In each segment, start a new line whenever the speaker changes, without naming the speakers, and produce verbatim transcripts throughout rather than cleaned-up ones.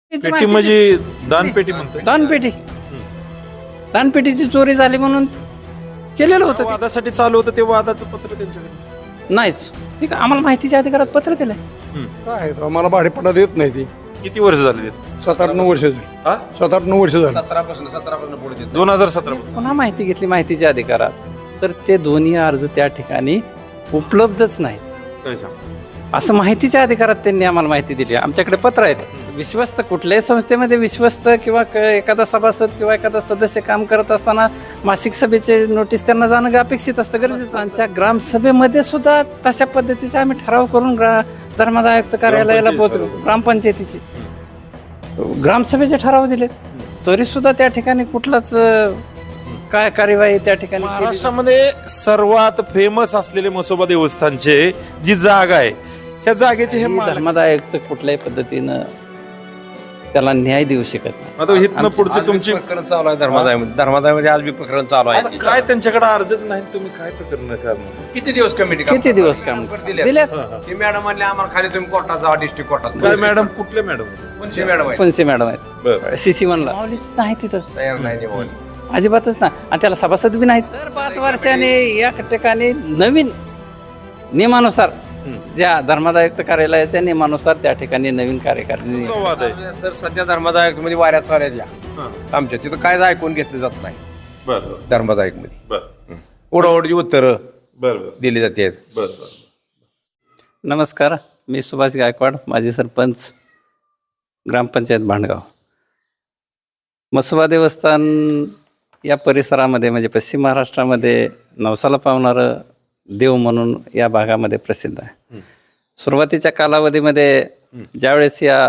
पेटी म्हणजे दानपेटी म्हणतोय.
दानपेटी दानपेटीची चोरी झाली म्हणून केलेलं होतं ते.
वादासाठी चालू होतं ते वादाचं पत्र त्यांच्याकडे
नाहीच ठीक आहे, आम्हाला माहितीच्या अधिकारात पत्र दिलंय.
काय आम्हाला भाडेपट्टा देत नाही ती.
किती वर्ष झाले
सात आठ नऊ वर्ष झाली
हा
सात आठ नऊ वर्ष झाली
सतरापासून सतरापासून पुढे देत
दोन हजार सतरा
पुन्हा माहिती घेतली माहितीच्या अधिकारात तर ते दोन्ही अर्ज त्या ठिकाणी उपलब्धच नाहीत
काय सांग
असं माहितीच्या अधिकारात त्यांनी आम्हाला माहिती दिली. आमच्याकडे पत्र आहेत. विश्वस्त कुठल्याही संस्थेमध्ये विश्वस्त किंवा क- एखादा सभासद किंवा एखादा सदस्य काम करत असताना मासिक सभेचे नोटीस त्यांना जाणं अपेक्षित असतं, गरजेचं. आमच्या ग्रामसभेमध्ये सुद्धा तशा पद्धतीचे आम्ही ठराव करून ग्रा धर्मादाय आयुक्त कार्यालयाला पोहोचलो. ग्रामपंचायतीची ग्रामसभेचे ठराव दिले तरी सुद्धा त्या ठिकाणी कुठलाच अं, काय कार्यवाही त्या ठिकाणी केली नाही.
महाराष्ट्रामध्ये सर्वात फेमस असलेले म्हसोबा देवस्थानचे जी जागा आहे त्या जागेचे हे
आणि
मालक.
धर्मादाय आयुक्त कुठल्याही पद्धतीनं त्याला न्याय देऊ शकत नाही.
आता इथनं पुढचे तुमची
प्रकरण चालू आहे धर्मादायमध्ये धर्मादायमध्ये आज बी प्रकरण चालू आहे.
काय त्यांच्याकडे अर्जच नाही तुम्ही काय प्रकरण करणार
किती दिवस कमिटी
किती दिवस काम दिल्यात
ते मॅडम म्हणले आम्हाला खाली तुम्ही कोर्टात जावा डिस्ट्रिक्ट कोर्टात
काय मॅडम कुठले मॅडम
कोणची मॅडम आहे
पंचे मॅडम आहेत
बरं
सीसी वनला माऊलीच नाही तिथं
तयार नाही निवड
अजिबातच नाही आणि त्याला सभासद बी नाहीत. तर पाच वर्षाने या ठिकाणी नवीन नियमानुसार ज्या धर्मादायुक्त कार्यालयाच्या नियमानुसार त्या ठिकाणी नवीन कार्यकारिणी
वाद आहे
सर सध्या धर्मादायक मध्ये वाऱ्या साऱ्या द्या आमच्या तिथं काय ऐकून घेतलं जात नाही
बरं
धर्मादायक मध्ये
बरं
ओढाओढची उत्तरं
बरं
दिली जाते
बरं
नमस्कार, मी सुभाष गायकवाड, माजी सरपंच, ग्रामपंचायत भांडगाव. म्हसोबा देवस्थान या परिसरामध्ये म्हणजे पश्चिम महाराष्ट्रामध्ये नवसाला पावणारं देव म्हणून या भागामध्ये प्रसिद्ध आहे. सुरुवातीच्या कालावधीमध्ये ज्यावेळेस या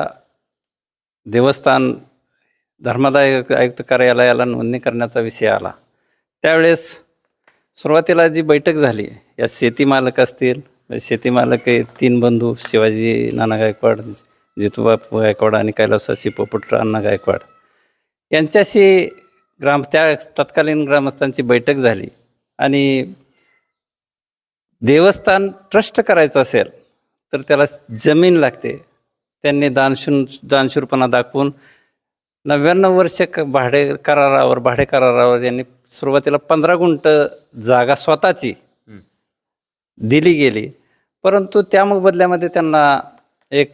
देवस्थान धर्मादाय आयुक्त कार्यालयाला नोंदणी करण्याचा विषय आला त्यावेळेस सुरुवातीला जी बैठक झाली या शेती मालक असतील, शेती मालक हे तीन बंधू शिवाजी नाना गायकवाड, जितूबापू गायकवाड आणि कैलासाशी पोपट अण्णा गायकवाड यांच्याशी ग्राम त्या तत्कालीन ग्रामस्थांची बैठक झाली आणि देवस्थान ट्रस्ट करायचं असेल तर त्याला जमीन लागते. त्यांनी दानशून दानशूरपणा दाखवून नव्याण्णव वर्ष क भाडे करारावर भाडे करारावर यांनी सुरुवातीला पंधरा गुंठ जागा स्वतःची दिली गेली, परंतु त्या बदल्यामध्ये त्यांना एक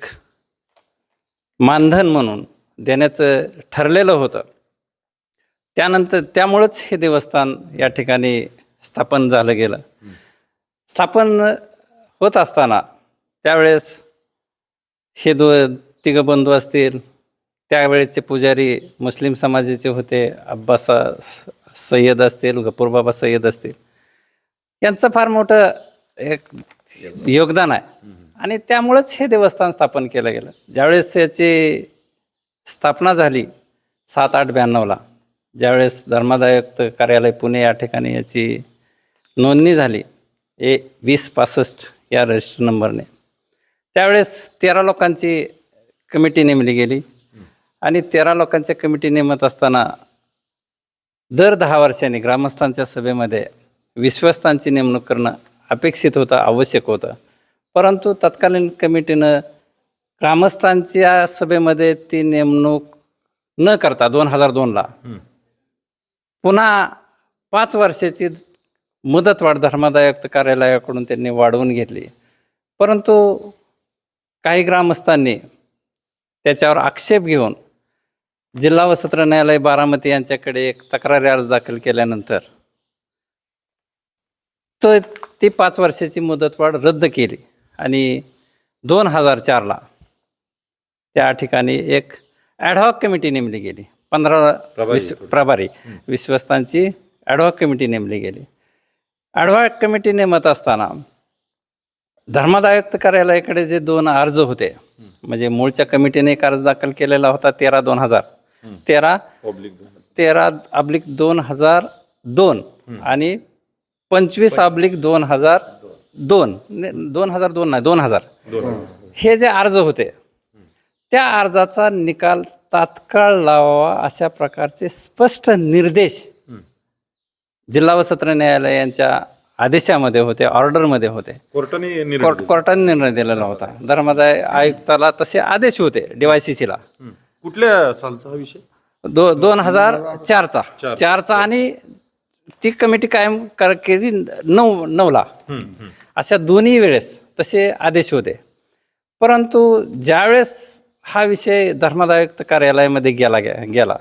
मानधन म्हणून देण्याचं ठरलेलं होतं. त्यानंतर त्यामुळंच हे देवस्थान या ठिकाणी स्थापन झालं गेलं. स्थापन होत असताना त्यावेळेस हे दो तिघं बंधू असतील, त्यावेळेचे पुजारी मुस्लिम समाजाचे होते, अब्बासा सय्यद असतील, गफूरबाबा सय्यद असतील, यांचं फार मोठं एक योगदान आहे आणि त्यामुळंच हे देवस्थान स्थापन केलं गेलं. ज्यावेळेस याची स्थापना झाली सात आठ ब्याण्णवला, ज्यावेळेस धर्मादायुक्त कार्यालय पुणे या ठिकाणी याची नोंदणी झाली ए वीस पासष्ट या रजिस्टर नंबरने, त्यावेळेस तेरा लोकांची कमिटी नेमली गेली आणि तेरा लोकांच्या कमिटी नेमत असताना दर दहा वर्षांनी ग्रामस्थांच्या सभेमध्ये विश्वस्तांची नेमणूक करणं अपेक्षित होतं, आवश्यक होतं. परंतु तत्कालीन कमिटीनं ग्रामस्थांच्या सभेमध्ये ती नेमणूक न करता दोन हजार दोनला पुन्हा पाच वर्षाची मुदतवाढ धर्मादायुक्त कार्यालयाकडून त्यांनी वाढवून घेतली. परंतु काही ग्रामस्थांनी त्याच्यावर आक्षेप घेऊन जिल्हा व सत्र न्यायालय बारामती यांच्याकडे एक तक्रारी अर्ज दाखल केल्यानंतर तो ती पाच वर्षाची मुदतवाढ रद्द केली आणि दोन हजार चारला त्या ठिकाणी एक ॲडहॉक कमिटी नेमली गेली. पंधरा विश्व प्रभारी विश्वस्तांची ॲडहॉक कमिटी नेमली गेली. ॲडहॉक कमिटी नेमत असताना धर्मादायुक्त कार्यालयाकडे जे दोन अर्ज होते, म्हणजे मूळच्या कमिटीने एक अर्ज दाखल केलेला होता तेरा दोन हजार तेरा तेरा अब्लिक दोन हजार दोन आणि पंचवीस अब्लिक दोन हजार दोन दोन हजार दोन नाही दोन हजार हे जे अर्ज होते त्या अर्जाचा निकाल तात्काळ लावावा अशा प्रकारचे स्पष्ट निर्देश जिल्हा व सत्र न्यायालय यांच्या आदेशामध्ये होते, ऑर्डरमध्ये होते.
कोर्टाने
कोर्ट कोर्टाने निर्णय दिलेला होता. धर्मादाय आयुक्ताला तसे आदेश होते डीवायसीसीला.
कुठल्या सालचा हा विषय?
दो दोन हजार चारचा चारचा आणि ती कमिटी कायम कर केली नऊ नऊला. अशा दोन्ही वेळेस तसे आदेश होते. परंतु ज्यावेळेस हा विषय धर्मादायुक्त कार्यालयामध्ये गेला गेला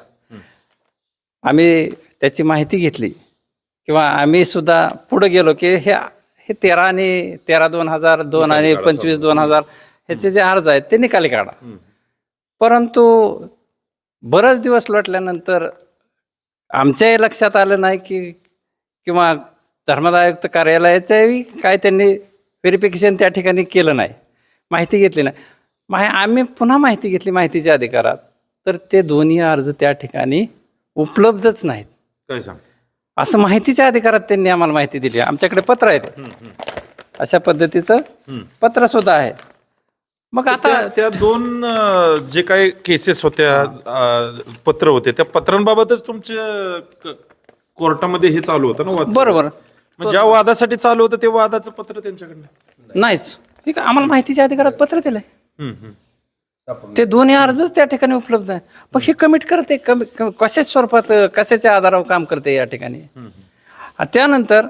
आम्ही त्याची माहिती घेतली किंवा आम्ही सुद्धा पुढे गेलो की हे हे तेरा आणि तेरा दोन हजार दोन आणि पंचवीस दोन हजार ह्याचे जे अर्ज आहेत ते निकाली काढा. परंतु बरेच दिवस लोटल्यानंतर आमच्याही लक्षात आलं नाही की किंवा धर्मादायुक्त कार्यालयाचंही काय त्यांनी व्हेरिफिकेशन त्या ठिकाणी केलं नाही, माहिती घेतली नाही. माहि आम्ही पुन्हा माहिती घेतली माहितीच्या अधिकारात, तर ते दोन्ही अर्ज त्या ठिकाणी उपलब्धच नाहीत.
काय सांग
असं माहितीच्या अधिकारात त्यांनी आम्हाला माहिती दिली. आमच्याकडे पत्र आहे, अशा पद्धतीचं पत्र सुद्धा आहे. मग आता
त्या- त्या दोन अं, जे काही केसेस होत्या, अं, पत्र होते, त्या पत्रांबाबतच तुमच्या क- कोर्टामध्ये हे चालू होतं ना वाद?
बरोबर
मग ज्या वादासाठी चालू होतं ते वादाचं पत्र त्यांच्याकडनं?
नाहीच. ठीक आहे, आम्हाला माहितीच्या अधिकारात पत्र दिलंय.
हम्म, हम्म.
ते दोन्ही अर्जच त्या ठिकाणी उपलब्ध आहे. पण हे कमिट करते कमी क- कशाच्या स्वरूपात कशाच्या आधारावर काम करते या ठिकाणी. आणि त्यानंतर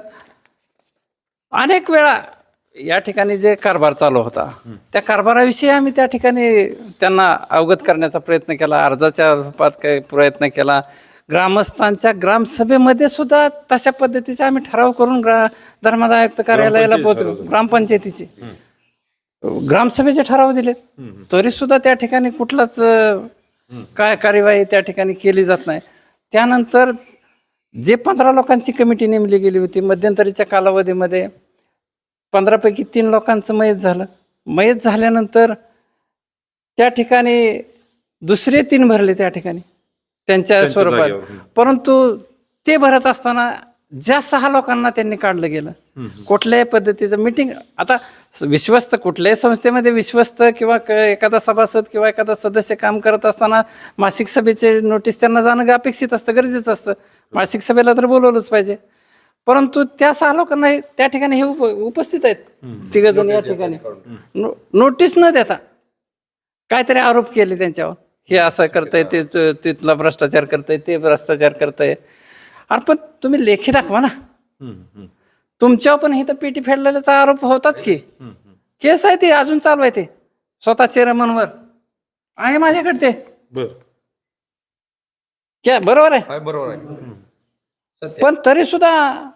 अनेक वेळा या ठिकाणी जे कारभार चालू होता त्या कारभाराविषयी आम्ही त्या ठिकाणी त्यांना अवगत करण्याचा प्रयत्न केला, अर्जाच्या रूपात काही प्रयत्न केला. ग्रामस्थांच्या ग्रामसभेमध्ये सुद्धा तशा पद्धतीचे आम्ही ठराव करून ग्रा धर्मादायुक्त कार्यालयाला पोहोचलो. ग्रामपंचायतीचे ग्रामसभेचे ठराव दिले, तरी सुद्धा त्या ठिकाणी कुठलाच अं, काय कार्यवाही त्या ठिकाणी केली जात नाही. त्यानंतर जे पंधरा लोकांची कमिटी नेमली गेली होती मध्यंतरीच्या कालावधीमध्ये पंधरापैकी तीन लोकांचं मयत झालं. मयत झाल्यानंतर त्या ठिकाणी दुसरे तीन भरले त्या ठिकाणी त्यांच्या स्वरूपात. परंतु ते भरत असताना ज्या सहा लोकांना त्यांनी काढलं गेलं, कुठल्याही पद्धतीचं मीटिंग. आता विश्वस्त कुठल्याही संस्थेमध्ये विश्वस्त किंवा क- एखादा सभासद किंवा एखादा सदस्य काम करत असताना मासिक सभेचे नोटीस त्यांना जाणं अपेक्षित असतं, गरजेचं असतं. मासिक सभेला तर बोलवलंच पाहिजे. परंतु त्या सहा लोकांना हे- त्या ठिकाणी हे उप उपस्थित आहेत तिघ जण या ठिकाणी नो- नोटीस न देता काहीतरी आरोप केले त्यांच्यावर. हे असं करतंय, ते ते- तिथला भ्रष्टाचार करतंय, ते भ्रष्टाचार करतंय. अरे पण तुम्ही लेखी दाखवा ना. तुमच्यावर पण इथं पेटी फेडलेल्याचा आरोप होताच की. केस आहे ते अजून चालू आहे, ते स्वतः चेअरमनवर आहे माझ्याकडे ते.
बर
क्या बरोबर आहे.
काय बरोबर आहे.
पण तरी सुद्धा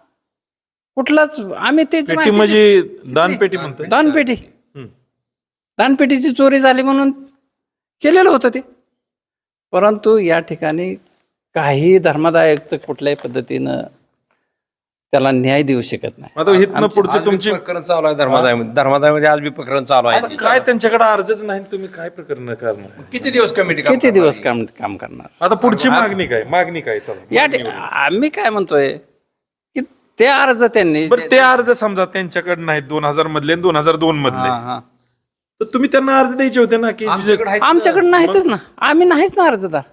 कुठलाच आम्ही तेच
पेटी
माहिती-
म्हणजे दानपेटी म्हणतोय?
दानपेटी
हम्म.
दानपेटीची चोरी झाली म्हणून केलेलं होतं ते. परंतु या ठिकाणी काही धर्मादायुक्त कुठल्याही पद्धतीनं त्याला न्याय देऊ शकत नाही.
आता इथनं पुढचे
आज बी
तुमची
प्रकरण चालू आहे धर्मादायमध्ये. धर्मादायमध्ये आज बी प्रकरण चालू आहे.
काय त्यांच्याकडे अर्जच नाही, तुम्ही काय प्रकरण करणार?
किती दिवस कमिटी
किती दिवस काम काम करणार.
आता पुढची मागणी काय? मागणी काय? चला
या ठि- आम्ही काय म्हणतोय की ते अर्ज त्यांनी
बरं, ते अर्ज समजा त्यांच्याकडे नाहीत, दोन हजार मधले दोन हजार दोन मधले,
हा, हा.
तर तुम्ही त्यांना अर्ज द्यायचे होते ना की
आमच्याकडे आहेत ना.
आमच्याकडे नाहीतच ना, आम्ही नाहीच ना अर्जदार.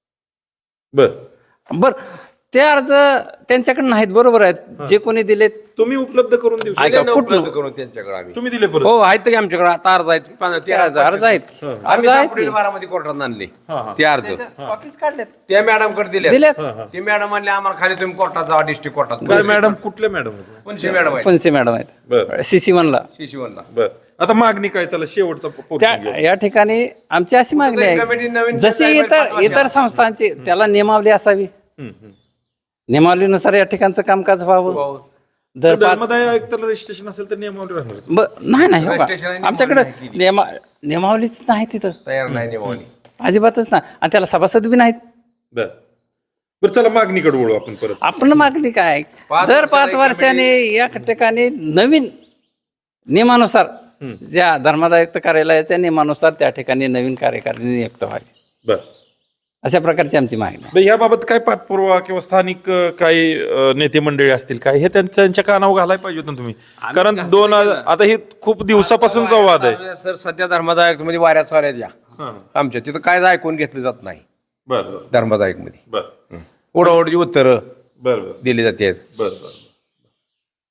बर
बर ते अर्ज त्यांच्याकडे नाहीत, बरोबर आहेत. जे कोणी दिलेत
तुम्ही उपलब्ध करून देऊ शकता.
ऐका,
दिले ना
कुठलं?
उपलब्ध करून त्यांच्याकडे आम्ही.
तुम्ही दिले परत?
हो आहेत की आमच्याकडे आता अर्ज आहेत. पं-
ते
तेरा
अर्ज अर्ज आहेत अर्ज
आम्ही
आहेत
एप्रिल बारामध्ये कोर्टात आणले ते अर्ज.
कॉपीज काढलेत
त्या मॅडम कडे दिले
दिलेत.
ते मॅडम म्हणले आम्हाला खाली तुम्ही कोर्टात जावा, डिस्ट्रिक्ट कोर्टात.
काय मॅडम? कुठल्या मॅडम होत्या?
कोणशी मॅडम आहे?
फणसे मॅडम आहेत
बर
सीसी वनला.
शिशुवनला.
बर आता मागणी काय? चला शेवटचा portion
त्या
घेऊ.
या ठिकाणी आमची अशी मागणी
कमिटी
आहे
नवीन
जशी
काय
इतर
पाठवा
इतर संस्थांची त्याला नियमावली असावी.
हम्म, हम्म.
नियमावलीनुसार या ठिकाणचं कामकाज व्हावं. दर पाच
धर्मदाय आयुक्ताला रजिस्ट्रेशन असेल तर नियमावली राहणार.
ब- नाही नाही हो का?
Registration आणि
आमच्याकडे
नियमावली नाही
नियमा नियमावलीच नाही तिथं,
तयार नाही नियमावली.
अजिबातच नाही. आणि त्याला सभासद बी नाहीत.
बर बर चला मागणीकडे वळू आपण परत.
आपण मागणी काय,
पाच
दर
वर्षाला
पाच
एक
वर्षाने या ठिकाणी नवीन नियमानुसार ज्या धर्मादायुक्त कार्यालयाच्या नियमानुसार त्या ठिकाणी नवीन कार्यकारिणी नियुक्त व्हावी,
बर
अशा प्रकारची आमची मागणी आहे.
बर, याबाबत काय पाठपुरावा किंवा स्थानिक अ, काही अ, नेते मंडळी असतील काय, हे त्यांच्या त्यांच्या कानावर घालायला पाहिजे होतं तुम्ही. कारण दोन आता हे खूप दिवसापासून संवाद आहे.
सर सध्या धर्मादायक मध्ये वाऱ्या साऱ्या द्या आमच्या तिथं काय ऐकून घेतलं जात नाही.
बर बर
धर्मादायक मध्ये
बर
ओढाओढची उत्तरं
बर बर
दिली जाते.
बर बर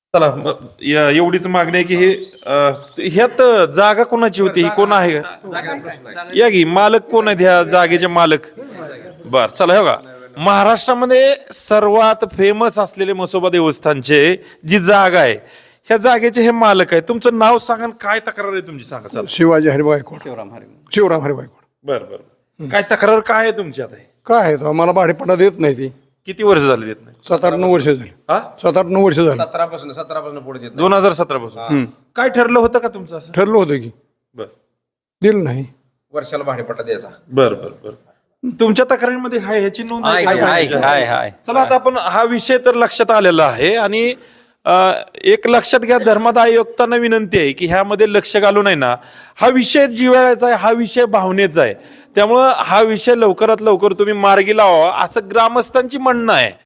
चला मग या- एवढीच मागणी आहे की हे अं, ह्यात जागा कोणाची होती ही कोण आहे का या की मालक कोण आहेत ह्या जागेचे मालक बर चला हे बघा महाराष्ट्रामध्ये सर्वात फेमस असलेले म्हसोबा देवस्थानचे जी जागा आहे ह्या जागेचे हे मालक आहे तुमचं नाव सांगा आणि काय तक्रार आहे तुमची सांगा चला
शिवाजी हरी गायकवाड
शिवराम हरी
शिवराम हरी गायकवाड
बर बर काय तक्रार काय आहे तुमची आता
काय आहे तो आम्हाला भाडेपट्टा देत नाही ती
किती वर्ष झाली देत नाही
सात आठ नऊ वर्ष झाली
हा
सात आठ नऊ वर्ष झाली
सतरापासून सतरापासून पुढे देत
दोन हजार सतरा पासून काय ठरलं होतं का तुमचं असं
ठरलं होतं की
बर
दिलं नाही
वर्षाला भाडेपट्टा द्यायचा
बर बर बर तुमच्या तक्रारीमध्ये हाय ह्याची नोंद आहे
आहे
का?
आहे आहे आहे
चला आता आपण हा विषय तर लक्षात आलेला आहे आणि अ, एक लक्षात घ्या धर्मादाय आयुक्तांना विनंती आहे की ह्यामध्ये लक्ष घालू नये ना हा विषय जिव्हाळ्याचा आहे हा विषय भावनेचा आहे त्यामुळं हा विषय लवकरात लवकर तुम्ही मार्गी लावा असं ग्रामस्थांची म्हणणं आहे